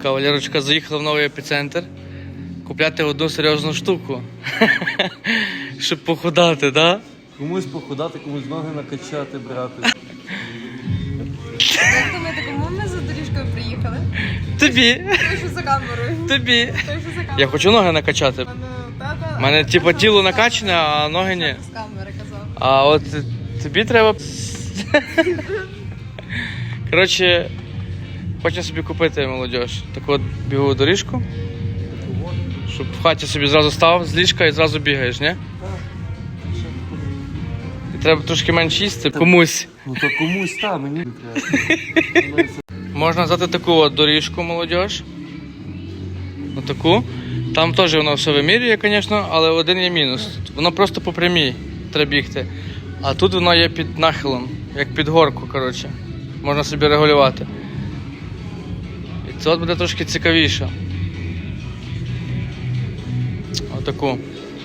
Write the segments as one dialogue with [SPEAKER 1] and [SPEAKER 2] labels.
[SPEAKER 1] Кавалерочка заїхала в новий епіцентр купляти одну серйозну штуку. Щоб похудати, так? Да?
[SPEAKER 2] Комусь похудати, комусь ноги накачати, брати.
[SPEAKER 3] Як думаєте, кому ми за доріжкою приїхали?
[SPEAKER 1] Тобі.
[SPEAKER 3] Той, що за камерою.
[SPEAKER 1] Тобі.
[SPEAKER 3] Той, що за камерою.
[SPEAKER 1] Я хочу ноги накачати. У мене типу тіло накачане, а ноги ні.
[SPEAKER 3] З камери казав.
[SPEAKER 1] А от тобі треба. Коротше, хочу собі купити, молодь, таку от бігову доріжку. Щоб в хаті собі зразу став з ліжка і зразу бігаєш, ні? І треба трошки менше їсти комусь.
[SPEAKER 2] Ну то комусь там, мені не треба.
[SPEAKER 1] Можна взяти таку от доріжку, молодь. Отаку. Там теж воно все вимірює, звісно, але один є мінус. Воно просто по прямій треба бігти. А тут воно є під нахилом, як під горку, коротше. Можна собі регулювати. І це от буде трошки цікавіше. Отаку.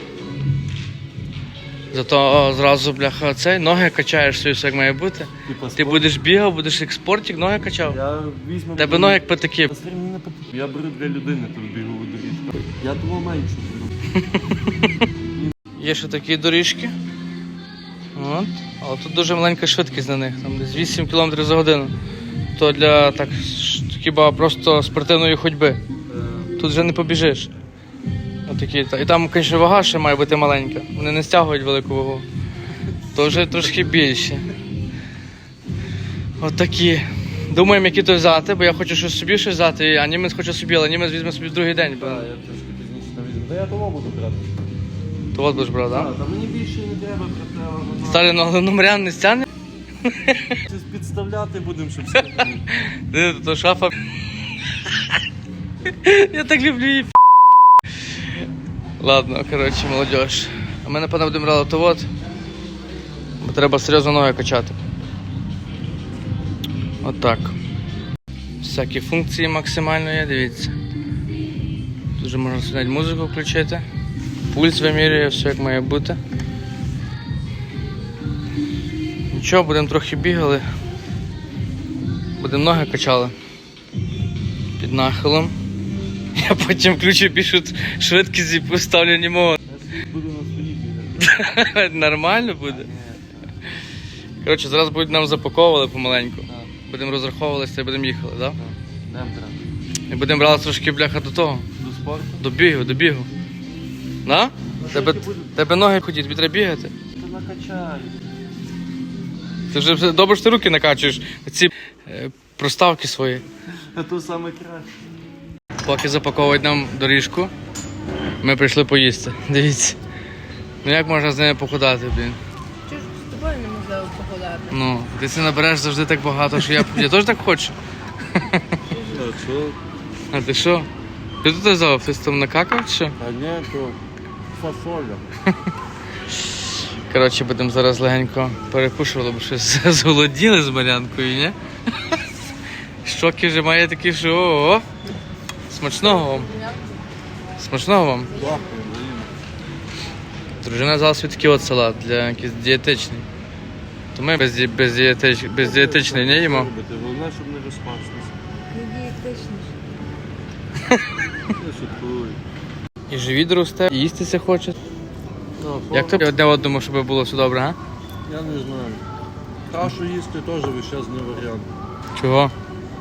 [SPEAKER 1] Зато зразу, бляха, цей, ноги качаєш собі, все як має бути. Ти будеш бігав, будеш як спортик, ноги качав.
[SPEAKER 2] Я візьму...
[SPEAKER 1] Тебе ноги як патики.
[SPEAKER 2] Я беру для людини тут бігову доріжку. Я думав менше буду.
[SPEAKER 1] Є ще такі доріжки. От. Але тут дуже маленька швидкість на них, там десь 8 км за годину. То для так, хіба просто спортивної ходьби. Тут вже не побіжиш. Отакі. І там, звісно, вага ще має бути маленька. Вони не стягують велику вагу. То вже трошки більше. Отакі. Думаємо, які то взяти, бо я хочу щось собі щось взяти, а німець хоче собі, але німець візьме собі в другий день.
[SPEAKER 2] Так, я трошки пізніше там візьму. Та я того буду брати.
[SPEAKER 1] То от будеш брати, так?
[SPEAKER 2] Так, та мені більше не треба, брати.
[SPEAKER 1] Сталі, ну, але номерян не стягне?
[SPEAKER 2] Щось підставляти будемо, щоб все.
[SPEAKER 1] То шафа. Я так люблю її. Ладно, коротше, молодіж. А ми, напевно, будемо брати то от. Бо треба серйозно ноги качати. Отак. Всякі функції максимально є, дивіться. Тут вже можна навіть музику включити. Пульс вимірює, все як має бути. Нічого, будемо трохи бігали. Будемо ноги качали. Під нахилом. Я потім включу більшу швидкість і поставлю німого.
[SPEAKER 2] Буду на столі.
[SPEAKER 1] Нормально буде. Коротше, зараз будуть нам запаковували помаленьку. Будемо розраховувалися і будемо їхали, так?
[SPEAKER 2] Дем треба.
[SPEAKER 1] І будемо брати трошки, бляха, до того.
[SPEAKER 2] До спорту?
[SPEAKER 1] До бігу. На? Тебе ноги ходять, тобі треба бігати.
[SPEAKER 2] Ти накачай.
[SPEAKER 1] Ти вже добре, що ти руки накачуєш. Ці проставки свої.
[SPEAKER 2] А то саме краще.
[SPEAKER 1] Поки запаковують нам доріжку, ми прийшли поїсти. Дивіться. Ну як можна з ними похудати, блін?
[SPEAKER 3] Чого ж з тобою неможливо походати?
[SPEAKER 1] Ну, ти це набереш завжди так багато, що я теж так хочу.
[SPEAKER 2] А що?
[SPEAKER 1] А ти що? Ти тут взяв? Ти там накакав чи що?
[SPEAKER 2] А ні, то фасоля.
[SPEAKER 1] Коротше, будемо зараз легенько перекушувати, бо щось зголоділи з Марянкою, ні? Щоки вже має такі, що о-о. Смачного вам. Смачного вам.
[SPEAKER 2] Дякую,
[SPEAKER 1] Дружина взяла собі такий от салат для якийсь дієтичний. То ми бездієтичний не їмо.
[SPEAKER 2] Головне, щоб не розпачитися.
[SPEAKER 3] Не дієтичніше.
[SPEAKER 2] Я шуткую.
[SPEAKER 1] І живіт росте, і їстися хоче.
[SPEAKER 2] Ну,
[SPEAKER 1] Як тобі одне одному, щоб було все добре, а?
[SPEAKER 2] Я не знаю. Кашу їсти теж весь час не варіант.
[SPEAKER 1] Чого?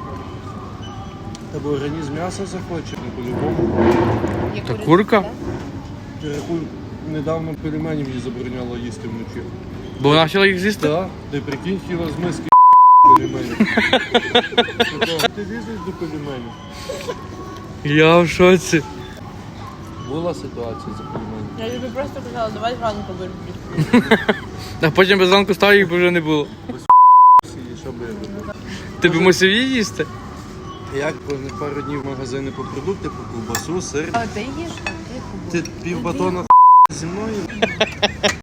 [SPEAKER 2] Тебе організм м'яса захоче, ну по-любому.
[SPEAKER 1] Та курка?
[SPEAKER 2] Я рахую, недавно пельменів їй забороняло їсти вночі.
[SPEAKER 1] Бо вона хотіла їх з'їсти?
[SPEAKER 2] Так, ти прикинь, хіла з миски пельменів. Ти лізеш до пельменів?
[SPEAKER 1] Я в шоці.
[SPEAKER 2] Була ситуація за пельменів.
[SPEAKER 3] Я тобі просто казала, давай зранку вирішимо.
[SPEAKER 1] А потім без ранку став, їх вже не було.
[SPEAKER 2] І що би я робив?
[SPEAKER 1] Ти б мусив її їсти?
[SPEAKER 2] Як пару днів в магазини по продукти, по ковбасу, сир.
[SPEAKER 3] А ти їш?
[SPEAKER 2] Ти пів батона зі мною?